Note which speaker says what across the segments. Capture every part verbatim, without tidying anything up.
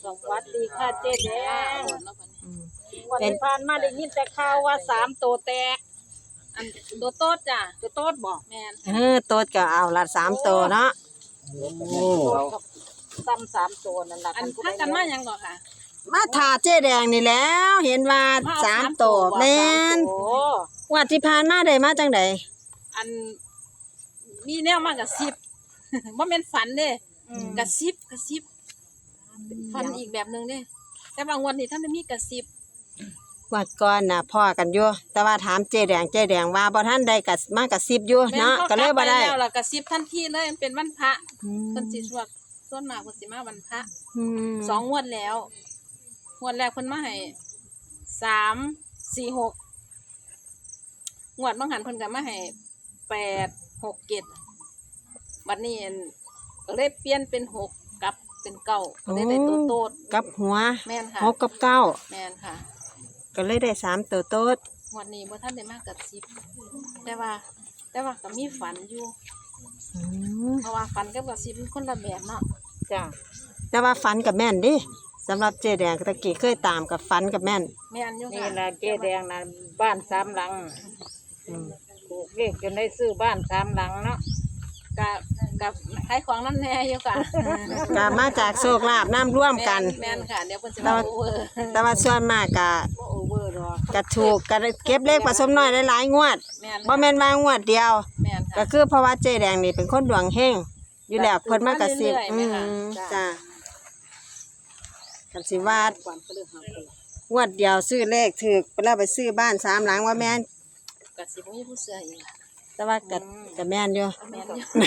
Speaker 1: สวัสดีค่ะเจ๊แดงวันที่ผ่านมาได้ยินแต่ข่าวว่าสามตัวแตกอันตัวโต๊ดจ้ะตัวโต๊ดบอกแม่น
Speaker 2: เออโต๊ดก็เอาละสามตัวเนาะ
Speaker 1: โอ้ซ้ำสามตัวนั่นล่ะอันพักกันมายังก่อนค่ะ
Speaker 2: มาถาเจ๊แดงนี่แล้วเห็นว่าสามตัวแม่นว่าที่ผ่านมาได้มาจังได
Speaker 1: อันมีแนวมากกับสิบว่าเป็นฝันเด้กระซิบกระซิบฝันอีกแบบนึงเด้แต่บางวันนี่ท่านได้มีกระซิบ
Speaker 2: วัดก่อนน่ะพ่อกันอยู่แต่ว่าถามเจ๊แดงเจ๊แดงว่าบ่ทันได้กะมากระซิบอยู่เนาะก็เลยบ่ได้
Speaker 1: แล้วล่ะกระซิบทันทีเลยมันเป็นวันพระเพิ่นสิสวดส่วนมากเพิ่นสิมาวันพระสองงวดแล้วงวดแรกเพิ่นมาให้สามสี่หกงวดบางหันเพิ่นก็มาให้แปดหกเจ็ดบัดนี้ก็เลยเปลี่ยนเป็นหกกับเป็นเก้าก็เลยได้ตัวโตด
Speaker 2: กับหัว
Speaker 1: แม่นค่ะ
Speaker 2: หกกับเก้า
Speaker 1: แม่นค่ะ
Speaker 2: ก็เลยได้สามตัวโตด
Speaker 1: งวดนี้บ่ทันได้มากกับสิบแต่ว่าแต่ว่าก็มีฝันอยู่เพราะว่าฝันกับกับสิบมันคนละแบบเนาะ
Speaker 2: จ้ะแต่ว่าฝันกับแม่นดิสำหรับเจ๊แดงตะกี้เคยตามกับฝันกับแม่น
Speaker 1: แม่นอยู่ค่ะ
Speaker 3: นี่ล่ะเจ๊แดงน่ะบ้านสามหลังถูกเลขจนได้ซื้อบ้านสามหลังเนาะ
Speaker 1: กับกับขายของนั่นแน่อยู่ค่ะ
Speaker 2: ก็มาจากโชคลาภน้ำร่วมกัน
Speaker 1: แม่นค่ะเดี๋ยวเพิ่นสิมาโอเวอร์
Speaker 2: แต่ว่าส่วนมากก็
Speaker 1: โอเวอร์ดอก
Speaker 2: ก็ถูกก็เก็บเลขผสมน้อยหลายๆงวดบ่แม่นว่างวดเดียว
Speaker 1: แม่นค่ะ
Speaker 2: ก็คือเพราะว่าเจ๊แดงนี่เป็นคนดวงเฮงอยู่แล้วเพิ่นมากระซิบอืมจ้ะกันสิว่าดงวดเดียวซื้อเลขถูกไปแล้วไปซื้อบ้านสามหลังว่าแม่น
Speaker 1: ก็สิบ่มีผู้เชื่ออีก
Speaker 2: แต่ว่าก็ก็แม่นอยู่
Speaker 1: แม่นอยู่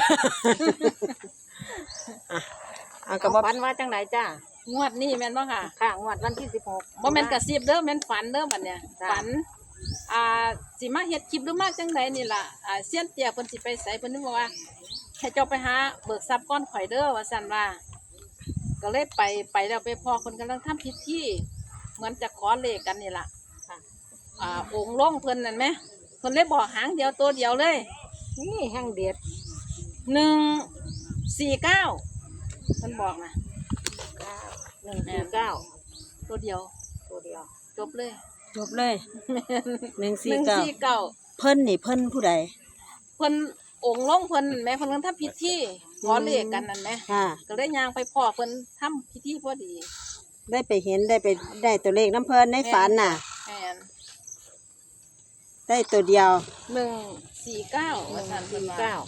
Speaker 2: อ่ะเอาก็บ่
Speaker 3: ฝันว่าจังไดจ้าง
Speaker 1: วดนี้แม่นบ่ค่ะ
Speaker 3: ค่ะงวดวันที่สิบหก
Speaker 1: บ่แม่นกระซิบเด้อแม่นฝันเด้อบัดเนี้ยฝันอ่าสิมาเฮ็ดคลิปหรือมาจังไดนี่ล่ะอ่าเซียนเตี้ยเพิ่นสิไปไสเพิ่นนึกว่าให้เจ้าไปหาเบิกทรัพย์ก้อนข่อยเด้อว่าซั่นว่าก็เลยไปไปแล้วไปพ่อคนกำลังทำพิธีเหมือนจะขอเลขกันนี่ล่ะค่ะอ่าองค์ลงเพิ่นนั่นแหมเพิ่นเลยบอกหางเดียวตัวเดียวเลย
Speaker 3: นี่แห้งเด็ด
Speaker 1: หนึ่งสี่เก้าเพิ่นบอกนะ
Speaker 3: หนึ่งสี่เก้า
Speaker 1: ตัวเดียว
Speaker 3: ตัวเดียว
Speaker 1: จบเลย
Speaker 2: จบเลยหนึ่งสี่เก้าเพิ่นนี่เพิ่นผู้ใด
Speaker 1: เพิ่นองค์ลงเพิ่นแม่เพิ่นกำลังทำพิธีขอเลขกันนั่นแหมก็เลยย่างไปพ่อเพิ่นทำพิธีพอดี
Speaker 2: ได้ไปเห็นได้ไปได้ตัวเลขน้ำเพิ่นในฝันน่ะ
Speaker 1: แม่น
Speaker 2: ได้ตัวเดียว
Speaker 1: หนึ่งสี่เก้า
Speaker 3: หนึ่งสี่เก้า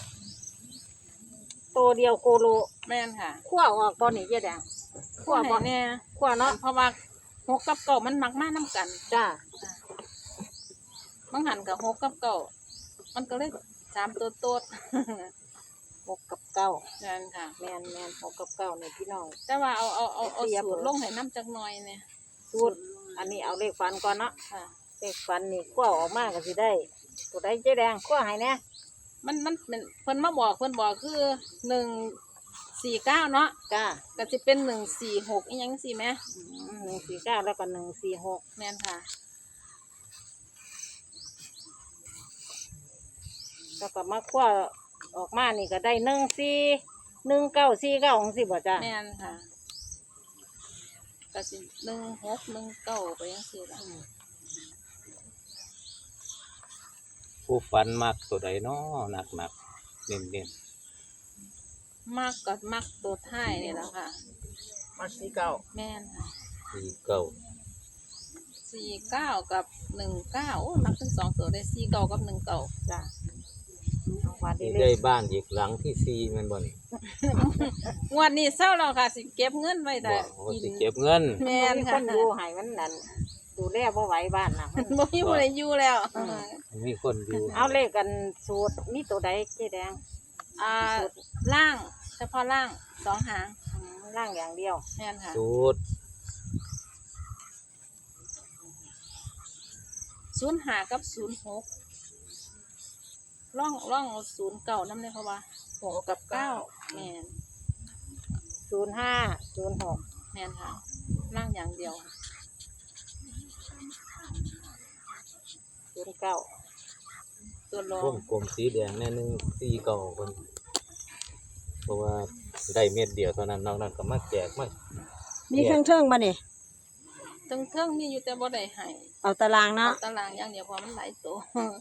Speaker 3: ตัวเดียวโคโล
Speaker 1: แม่นค่ะ
Speaker 3: ขั้วออกตอนนี้เจ๊แดง
Speaker 1: ขั้วบ่แน่
Speaker 3: ขั้วเนาะ
Speaker 1: เพราะว่าหกกับเก้ามันมักมาน้ำกัน
Speaker 3: จ้า
Speaker 1: บางหันกับหกกับเก้ามันก็เลยสามตัวโตด
Speaker 3: หกกับเก้า
Speaker 1: แม่นค่ะ
Speaker 3: แม่นแม่นหกกับเก้าเนี่ยพี่น้อง
Speaker 1: แต่ว่าเอาเอาเอาเอาสูตรลงให้น้ำจักหน่อยเนี่ย
Speaker 3: สูตรอันนี้เอาเลขฟันก่อนเนาะเลขฟันนี่ขั้วออกมาก็สิได้ตัวได้เจ๊แดงขั้วให้เนี่ย
Speaker 1: มันมันเป็นเพิ่นมาบอกเพิ่นบอกคือหนึ่งสี่เก้าเนาะ
Speaker 3: จ้า
Speaker 1: ก็จะเป็นหนึ่งสี่หกอีหยังสี่ไหม
Speaker 3: หนึ่งสี่เก้าแล้วก็หนึ่งสี่หก
Speaker 1: แม่นค่ะ
Speaker 3: แล้วก็มาขั้วออกมานี่ก็ได้หนึ่งสี่หนึ่งเก้าสี่เก้าของสิบ่จ้า
Speaker 1: แม่นค่ะก็สิหนึ่งหกหนึ่งเก้าไปยังสี่ละ
Speaker 4: ผู้ฝันมักตัวใดน้อหนักหนักเน้นเน้น
Speaker 1: มากก็มักตัวท้ายนี่แหละค่ะ
Speaker 3: มาสี่เก้า
Speaker 1: แม่นค่ะ
Speaker 4: สี่เก้า
Speaker 1: สี่เก้ากับหนึ่งเก้าโอ้มักทั้งสองตัวได้สี่เก้ากับหนึ่งเก้า
Speaker 3: จ้า
Speaker 4: ได้บ้านอีกหลังที่สี่มันบ่นี่
Speaker 1: งวดนี้เศร้าแล้วค่ะสิเก็บเงินไว้แต่
Speaker 4: สิเก็บเงิน
Speaker 1: แม่นค่ะ
Speaker 3: คนอยู่ให้มันนั่นดูแลบ่ไหวบ้านน่ะ
Speaker 1: มันบ่มีผู้ใดอยู่แล้ว
Speaker 4: มีคนอยู่
Speaker 3: เอาเลขกันสูตรมีตัวใดเจ๊แดง
Speaker 1: อ่าล่างเฉพาะล่างสองหาง
Speaker 3: ล่างอย่างเดียว
Speaker 1: แม่นค่ะ
Speaker 4: สูตร
Speaker 1: ศูนย์ห้ากับศูนย์หกร่องร่องศูนย์เก่านั่นเลยเพราะว่าหกกับเก้าแม่น
Speaker 3: ศูนย์ห้าศูนย์หก
Speaker 1: แม่นค่ะล่างอย่างเดียว
Speaker 3: ศูนย์เก้า
Speaker 1: ตัวรอง
Speaker 4: วงกลมสีแดงแน่นึงสี่เก้าคนเพราะว่าได้เม็ดเดียวเท่านั้นนอกนั้นก็มาแจกมา
Speaker 2: มีเครื่องเทิงบ่นี่
Speaker 1: ทั้งเทิงมีอยู่แต่บ่ได้ให้
Speaker 2: เอาตาราง
Speaker 1: เอา
Speaker 2: เนาะ
Speaker 1: ตารางอย่างเดียวเพราะมันหลายตัว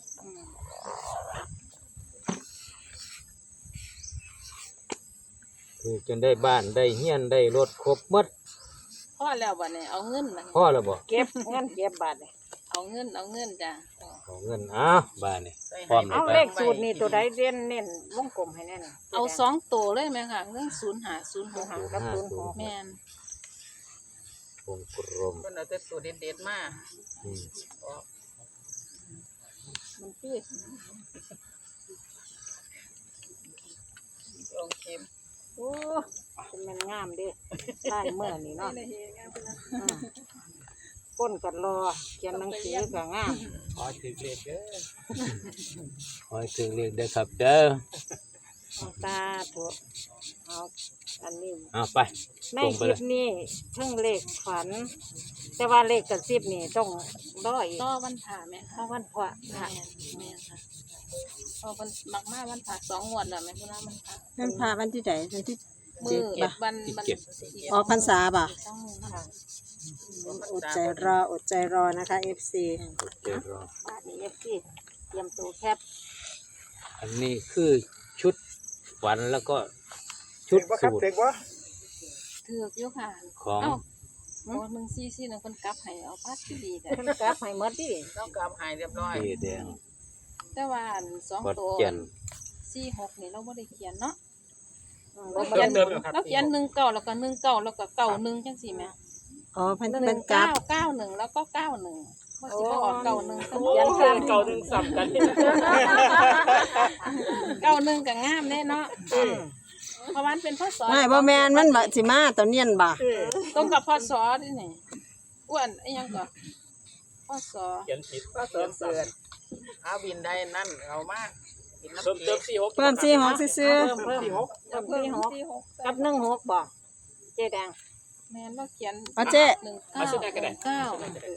Speaker 4: คือจนได้บ้านได้เฮียนได้รถครบหมด
Speaker 1: พ่อแล้วบัดนี้เอาเงินบัดนี้
Speaker 4: พ่อแล้วบ่
Speaker 3: เก็บเงินเก็บบาทเลย
Speaker 1: เอาเงินเอาเงินจ้ะ
Speaker 4: เอาเงินอ้าวบ้านนี่พร้อม
Speaker 3: เอา
Speaker 4: ไป
Speaker 3: เลขสูตรนี่ตัวใดเด่นเน้นวงกลมให้แน่น
Speaker 1: เอาสองตัวเลยไหมค่ะเรื่องศูนย์หาศูนย์หก
Speaker 3: หากับศูนย์หก
Speaker 1: แม่น
Speaker 4: วงกลม
Speaker 5: เพิ่นเอาแต่สูตรเด็ดๆมา
Speaker 4: อืม
Speaker 1: มันคือ
Speaker 5: ลงเข็ม
Speaker 3: โอ้เป็นแมันงามเด้ลายเมื่อนี่เนาะอืมก้นกัดรอเขียนหนังสือก็งาม
Speaker 4: ขอถึงเลขเด้อขอถึงเลขเด้อครับเด้อ
Speaker 3: เอาตาถูกเอาอันนี้
Speaker 4: เอาไป
Speaker 3: ใน
Speaker 4: ตรง
Speaker 3: ค
Speaker 4: ไป
Speaker 3: ลิ
Speaker 4: เล
Speaker 3: ป
Speaker 4: ย
Speaker 3: นี้เพิ่งเลขฝัน แต่ว่าเลขกระซิบนี่ต้องรออีก
Speaker 1: ต่อวันผ่าไหม
Speaker 3: เพ
Speaker 1: คะ
Speaker 3: ราะวันพระ
Speaker 1: แม่นแม่นค่ะพอมันมักมาวันผ่าสองงวดแล้วแม่คุณน้ามันผ่า
Speaker 2: นั่นพาวันที่ไหนวันที่
Speaker 1: มื
Speaker 2: เจ็ด
Speaker 1: อ
Speaker 2: ป่ะ
Speaker 1: วันวัน
Speaker 2: ออกพรรษาป่ะ
Speaker 1: ต้องมือนะคะ
Speaker 2: อดใจรออดใจรอนะคะ เอฟ ซี
Speaker 4: เดี๋ยวรอ
Speaker 3: บ้านนี้เอฟซีเตรียมตัวแคบ
Speaker 4: อันนี้คือชุดฝันแล้วก็ชุดสูตร
Speaker 1: ถือกอยู่ค่ะ
Speaker 4: ของ
Speaker 1: เอ้าโอ้หนึ่งซี่ซี่หนึ่งคนกลับให้เอาพัดที่ดีแต่
Speaker 3: เพิ่นกลับให้หมดดิ
Speaker 5: ต้องกลับหายเรียบร้อย
Speaker 4: เจแดง
Speaker 1: แต่ว่าอันสอง
Speaker 4: กด
Speaker 1: ตัว
Speaker 4: เกียน
Speaker 1: ซี่หกนี่เราไม่ได้เขียนเนาะ
Speaker 3: อืม
Speaker 1: เรา
Speaker 3: บ่
Speaker 1: เขียน
Speaker 3: ได้
Speaker 1: เราเขียนหนึ่งเก้าแล้วก็หนึ่งเก้าแล้วก็เก้าหนึ่งจังสี่แม่
Speaker 2: อ๋อเพิ่น
Speaker 1: ห
Speaker 2: เป็
Speaker 1: นึ่
Speaker 2: น
Speaker 1: ง
Speaker 2: กรา
Speaker 1: เก้า
Speaker 2: ฟ
Speaker 1: เก้าหนึ่งแล้วก็เก้าหนึ่งว่าสิบ่ออกเก้าหนึ่ง
Speaker 3: เขียนข้าม
Speaker 5: เก่าหนึ่งสับกัน
Speaker 1: เก้าหนึ่งก็งามแน่เนาะเพราะว่ามันเป็นพศ
Speaker 2: ไม่บ่แมนมันบ่สิมาตัวเนียนบ่
Speaker 1: ตรงกับพศนี่นี่อ้วนไอ้หยังก็พศ
Speaker 5: เขียนผิดก็เติมเสือนเอาบินได้นั่นเอามาบินน้ำเติมเติมสี่หก
Speaker 2: เพิ่มสี่หกซื่อ
Speaker 3: เพิ่มเพิ่ม
Speaker 5: สี่หก
Speaker 3: เพิ่มสี่หก
Speaker 1: สี่หก
Speaker 3: กับหนึ่งหกบ่เจ๊แดง
Speaker 1: แม่นว่าเขียน
Speaker 2: ๆเอาเจ๊
Speaker 1: หนึ่งเก้าหนึ่งเก้า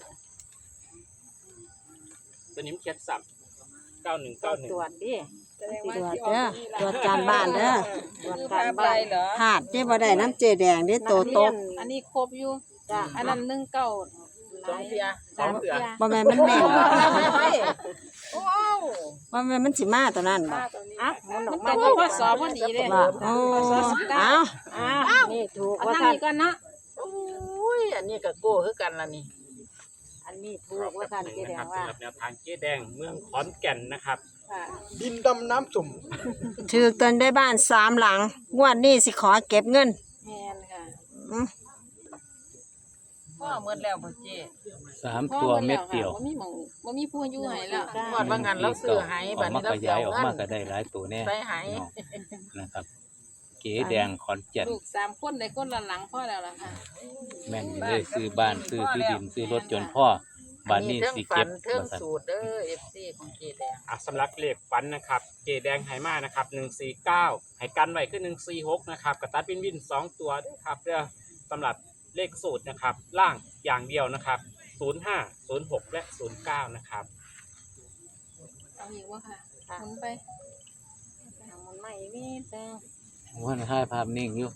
Speaker 5: ตัวนี้มันเขียนสับเก้าหนึ่งเก้าหนึ่ง
Speaker 3: ตรวจดิ
Speaker 2: ตรวจเด้อตรวจการบ้านเด้อ
Speaker 3: ตรวจการบ้าน
Speaker 2: พลาดเจ๊บ่ได้น้ำเจแดงเด้โตโตก
Speaker 1: อันนี้ครบอยู่
Speaker 3: จ้ะ
Speaker 1: อันนั้นหนึ่งเก้า
Speaker 5: สองเทียสองเทีย
Speaker 2: บ่แม่นมันแม่นบ่
Speaker 5: โอ้
Speaker 2: บ่แม่นมันสิมาตัวนั้นบ่
Speaker 3: อ่ะหมุนอ
Speaker 1: มั
Speaker 3: อน ก
Speaker 1: ตร
Speaker 3: มาง
Speaker 1: กับพศพอดีเลย
Speaker 2: บ่โอ้เอา
Speaker 3: อ้าวนี่ถูก
Speaker 1: เอา
Speaker 3: ว่า
Speaker 1: ทาง
Speaker 3: ท่าน
Speaker 1: นี้ก่อนเนาะ
Speaker 5: โอ้ยอันนี้ก็โก้คือกันละนี่
Speaker 3: อันนี้ถูกว่าท่านเจ๊แดงว่า
Speaker 6: สำหรับแนวทางเจ๊แดงเมืองขอนแก่นนะครับ
Speaker 1: ค่ะ
Speaker 6: ดินดำน้ำจุ่ม
Speaker 2: ถือตนได้บ้านสามหลังงวดนี้สิขอเก็บเงิน
Speaker 1: แม่นค่ะ
Speaker 2: อืม
Speaker 5: พ่อเมื่อแล้วพ่อเจ้
Speaker 4: สามตัวเม็ดเดียว
Speaker 1: บ่มีหม่องบ่มีผู้อยู่ให้แล้ว
Speaker 5: หมดบางงานเราซื้อหาย
Speaker 4: อ
Speaker 5: บั
Speaker 4: อ
Speaker 5: ด
Speaker 4: กมา
Speaker 5: นี้เรา
Speaker 4: ข
Speaker 5: เสี
Speaker 4: ยาย
Speaker 5: ย
Speaker 4: ออก
Speaker 5: เงิ
Speaker 4: มาน ก็ได้หลายตัวแน่
Speaker 5: ใส่หาย
Speaker 4: พี่น้องนะครับ เก๋แดงขอนแก่น
Speaker 1: ลูกสามคนได้คนละหลังพ่อแล้วล่ะค่ะ
Speaker 4: แม่นอยู่เลยซื้อบ้านซื้อที่ดินซื้อรถจนพ่อบ้านนี้สิ
Speaker 5: เทิ
Speaker 4: เก็
Speaker 5: ง
Speaker 4: บ
Speaker 5: ฝันเทิง
Speaker 4: มาสั่น
Speaker 5: สูตรเด้อเอฟซีของเจแดง
Speaker 6: อ่ะสำหรับเลขฝันนะครับ เจ๊แดงไหมานะครับหนึ่งสี่เก้าให้กันไว้คือหนึ่งสี่หกนะครับกระตัดวินวินสองตัวด้วยครับเด้อสำหรับเลขสูตรนะครับ ล่างอย่างเดียวนะครับศูนย์ห้าศูนย์หกและศูนย์เก้านะครับ
Speaker 1: เอาอีกว่าค่ะหมุนไป
Speaker 3: มันไม่มีแต่
Speaker 4: ว่าให้ภาพนิ่งอยู่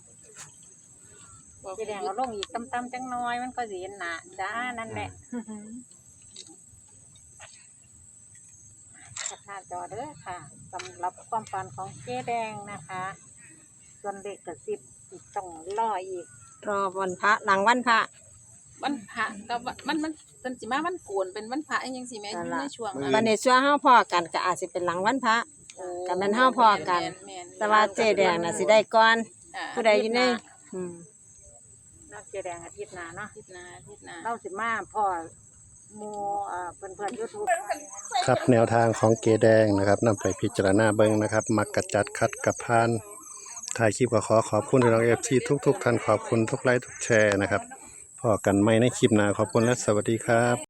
Speaker 1: บอก
Speaker 3: เจ๊แดงเอาลงอีกต่ำๆจังน้อยมันก็สิเห็นหน้าจ้านั่นแหละขัดหน้าจอเด้อค่ะสำหรับความฝันของเจ๊แดงนะคะ ส่วนเด็กกระซิบอีกต้องรออีก
Speaker 2: รอวันพระหลังวันพระ
Speaker 1: วันพระกับวันมันมันเป็นสิมาวันโกนเป็นวันพระอีหยังสิแม่อยู่ในช่วงนั้น
Speaker 2: วันนี้ชั่วเฮาพอกันก็อาจสิเป็นหลังวันพระ
Speaker 1: โอ้
Speaker 2: ก็แม่นเฮาพอกัน
Speaker 1: แม่นๆ
Speaker 2: แต่ว่าเจแดงน่ะสิได้ก่อน
Speaker 1: อ่า
Speaker 2: ผู้ใดอยู่ในอืม
Speaker 3: นักเจ๊แดงอาทิตย์หน้าเนาะ
Speaker 1: อาทิตย์หน้าอาทิตย์หน้า
Speaker 3: เราสิมาพ่อหมูเอ่อเพื่อนเพื่อนยูทูบ
Speaker 7: ครับแนวทางของเกแดงนะครับนำไปพิจารณาเบิ่งนะครับ มักกระจัดคัดกับพานถ่ายคลิปก็ขอขอบคุณน้องเอฟซีทุกๆท่านขอบคุณทุกไลค์ทุกแชร์นะครับพอกันไม่ในคลิปหน้าขอบคุณและสวัสดีครับ